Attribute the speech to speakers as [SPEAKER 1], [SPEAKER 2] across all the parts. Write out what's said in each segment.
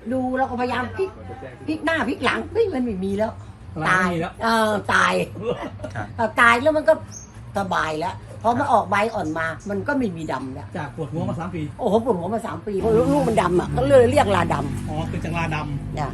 [SPEAKER 1] ดูเราก็พยายามพลิกหน้าพลิกหลังเฮ้ยมันไม่มีแล้วตายตายตายแล้วมันก็สบายแล้วพอมันออกใบอ่อนมามันก็ไม่มีดำแล้ว
[SPEAKER 2] จากปวดหัวมา3 ปี
[SPEAKER 1] โอ้โหปวดหัวมา3 ปีเพราะลูกมันดำอ่ะก็เลยเรียกลาดำ
[SPEAKER 2] อ๋อคือจากลาดำ
[SPEAKER 1] เนี่ย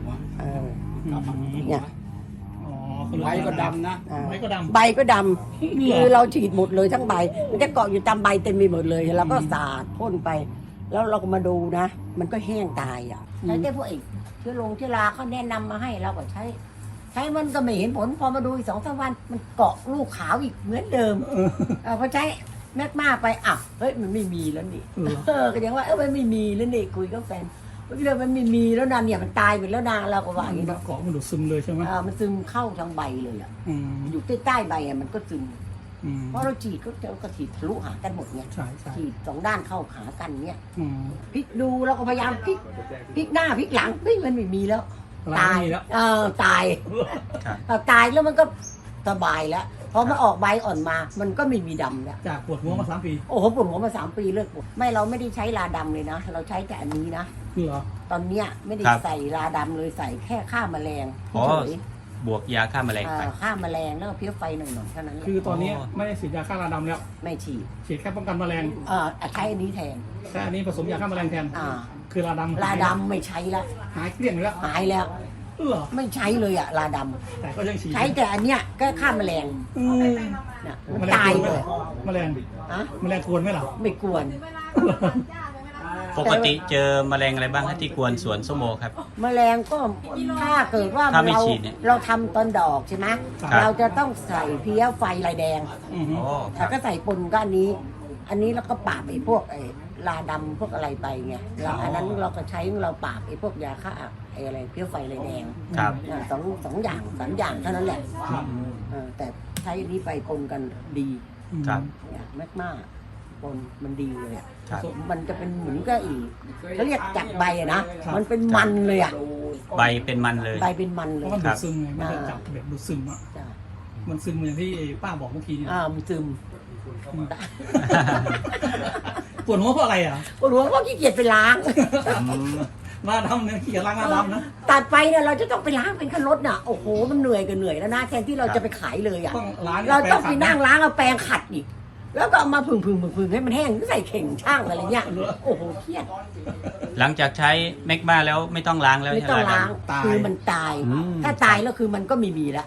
[SPEAKER 1] เนี่ย
[SPEAKER 2] ใบก็ดำนะใบก็ดำ
[SPEAKER 1] ใบก็ดำคือเราฉีดหมดเลยทั้งใบมันจะเกาะอยู่ตามใบเต็มไปหมดเลยแล้วก็สาดพ่นไปแล้วเราก็มาดูนะมันก็แห้งตายอ่ะใช้ได้พวกอีกเชื้อราเขาแนะนำมาให้เราก็ใช้มันก็ไม่เห็นผลพอมาดูอีก2-3 วันมันเกาะลูกขาวอีกเหมือนเดิมพอใช้แมกมาไปเฮ้ยมันไม่มีแล้วนี่ก็ยังว่ามันไม่มีแล้วนี่คุยกับแฟนเรื่องมันไม่มีแล้วนะเนี่ยมันตายไปแล้วนะเราก็ว่าอย่างนี้
[SPEAKER 2] เกาะมันดูดซึมเลยใช่ไหม
[SPEAKER 1] มันซึมเข้าทางใบเลยอ่ะอยู่ใต้ใบมันก็ซึมเพราะเราฉีดก็ฉีดทะลุหากันหมดเนี่ยฉีด2 ด้านเข้าหากันเนี่ยพลิกดูเราก็พยายามพลิกหน้าพลิกหลังเฮ้ยมันไม่มีแล้วตายตายแล้วมันก็สบายแล้วพอมันออกใบอ่อนมามันก็ไม่มีดำแล้ว
[SPEAKER 2] จากปวดหัวมา3 ปี
[SPEAKER 1] โอ้โหปวดหัวมา3 ปีเลิกปวดเราไม่ได้ใช้ลาดำเลยนะเราใช้แต่อันนี้นะ
[SPEAKER 2] เหรอ
[SPEAKER 1] ตอนเนี้ยไม่ได้ใส่ลาดำเลยใส่แค่ฆ่าแมลง
[SPEAKER 3] บวกยาฆ่าแมลงไป
[SPEAKER 1] ฆ่าแมลงแล้วก็เพี้ยไฟหน่อยๆเท่านั้น
[SPEAKER 2] คือตอนนี้ไม่ได้ฉีดยาฆ่าราดำแล้ว
[SPEAKER 1] ไม่ฉี
[SPEAKER 2] ดแค่ป้องกันแมลง
[SPEAKER 1] ใช้อันนี้แทน
[SPEAKER 2] ใช้อันนี้ผสมยาฆ่าแมลงแทนคือลาด
[SPEAKER 1] ำไม่ใช้แล้ว
[SPEAKER 2] หายเกลี้ยงแล้ว
[SPEAKER 1] หายแล้วไม่ใช้เลยลาด
[SPEAKER 2] ำแต่ก็ยังฉีด
[SPEAKER 1] ใช้แต่อันเนี้ยก็ฆ่าแมลงตายเลย
[SPEAKER 2] แมลงกวนไหมล่ะ
[SPEAKER 1] ไม่กวน
[SPEAKER 3] ปกติเจอแมลงอะไรบ้างที่กวนสวนส้มโอครับ
[SPEAKER 1] แมลงก็ถ้าเกิดว่าเราทำตอนดอกใช่ไหมเราจะต้องใส่เพี้ยไฟลายแดงแล้วก็ใส่ปนก็อันนี้แล้วก็ปราบไอ้พวกลาดำพวกอะไรไปไงอันนั้นเราก็ใช้เราปราบไอ้พวกยาฆ่าอะไรเพี้ยไฟลายแดงสองอย่าง3 อย่างเท่านั้นแหละแต่ใช้อันนี้ไปปนกันดีแมกมาปนมันดีเลยมันจะเป็นเหมือนก็อีกเขาเรียกจับใบนะมันเป็นมันเลย
[SPEAKER 3] ใบเป็นมันเลย
[SPEAKER 1] ใบเป็นมันเลย
[SPEAKER 2] มันดูดซึมไงมันจะจับแบบดูดซึมมันซึมอย่างที่ป้าบอกเมื่อกี้
[SPEAKER 1] มันซึม
[SPEAKER 2] ปวดหัวเพราะอะไร
[SPEAKER 1] ปวดหัวเพราะขี้เกียจไปล้าง
[SPEAKER 2] มาทำเนี่ยขี้เกียจล้างมาดำนะ
[SPEAKER 1] ตัดไปเนี่ยเราจะต้องไปล้างเป็นขั้นรถน่ะโอ้โหมันเหนื่อยแล้วนะแทนที่เราจะไปขายเลยเราต้องไปนั่งล้างเอาแปรงขัดอีกแล้วก็เอามาผึ่งให้มันแห้งใส่เข่งช่างอะไรเงี้ยโอ้โหเครียด
[SPEAKER 3] หลังจากใช้แมกมาแล้วไม่ต้องล้างแล้ว
[SPEAKER 1] ไม่ต้องล้างคือมันตายถ้าตายแล้วคือมันก็ไม่มีแล้ว